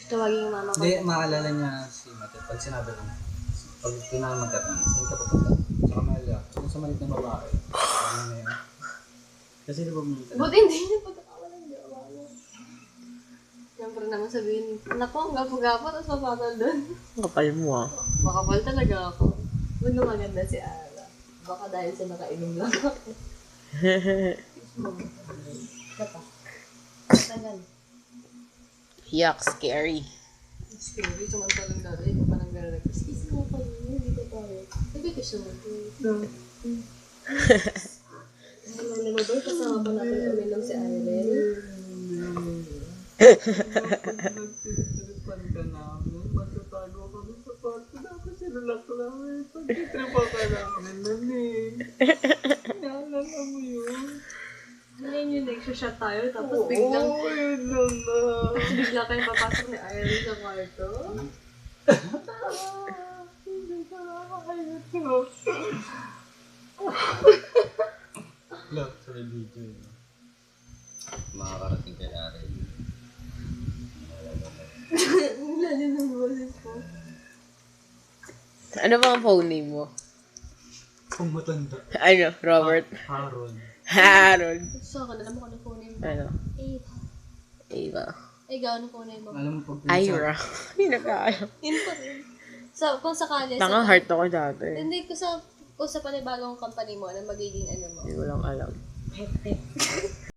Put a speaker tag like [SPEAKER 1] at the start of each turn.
[SPEAKER 1] Tawagin yung mama ko.
[SPEAKER 2] Hindi, maalala niya si Mate. Pag sinabi ko, pag kailangan magkatanong, saan ka pupunta? Sa Camellia. Kung sa malit na babae. Ano na yun? Kasi di ba mo
[SPEAKER 1] Buti hindi niya pagkakawalan niya. Siyempre naman sabihin, naku, ang gapo-gapo, tapos mapatol doon.
[SPEAKER 3] Kapal mo ah.
[SPEAKER 1] Makapal talaga ako. Buno maganda si Ara. Baka dahil sa nakainom lang ako. Kata. Tagal.
[SPEAKER 3] Yuck, scary.
[SPEAKER 1] Scary, samantalang dati, hindi pa nag-rex. Excuse me ako, hindi ko tayo. Sabi ko siya mag Ano mo ba, kasama pa natin uminom si Irene?
[SPEAKER 2] Nagtitiripan ka namin. Matatago kami sa parto. Dapat sinulak namin. Pagtitripa ka namin nun eh. Naalala mo yun?
[SPEAKER 1] Ngayon yung nag-shot tayo, tapos biglang...
[SPEAKER 2] Oo, yun lang na.
[SPEAKER 1] Tapos bigla tayong papasok ni Irene sa kwarto.
[SPEAKER 2] Hindi ka nakakayot ko. Look, sa video yun. Makakarating kay Aaron.
[SPEAKER 1] Wala din ang boses ko.
[SPEAKER 3] Ano ba ang phone name mo?
[SPEAKER 2] Kung matanda.
[SPEAKER 3] Ano, Robert?
[SPEAKER 2] Harold.
[SPEAKER 3] Harold.
[SPEAKER 1] Sa akin, alam mo kung ano phone name mo?
[SPEAKER 3] Ano?
[SPEAKER 1] Ava.
[SPEAKER 3] Ava.
[SPEAKER 1] Ikaw, ano phone name mo?
[SPEAKER 2] Alam mo pag
[SPEAKER 3] Ira. Hindi nagkaalam.
[SPEAKER 1] Yun pa rin. So, kung sakali...
[SPEAKER 3] Tanga heart ako dati.
[SPEAKER 1] Hindi ko sa panibagong company mo, ano magiging ano mo?
[SPEAKER 3] Hindi ko lang alam.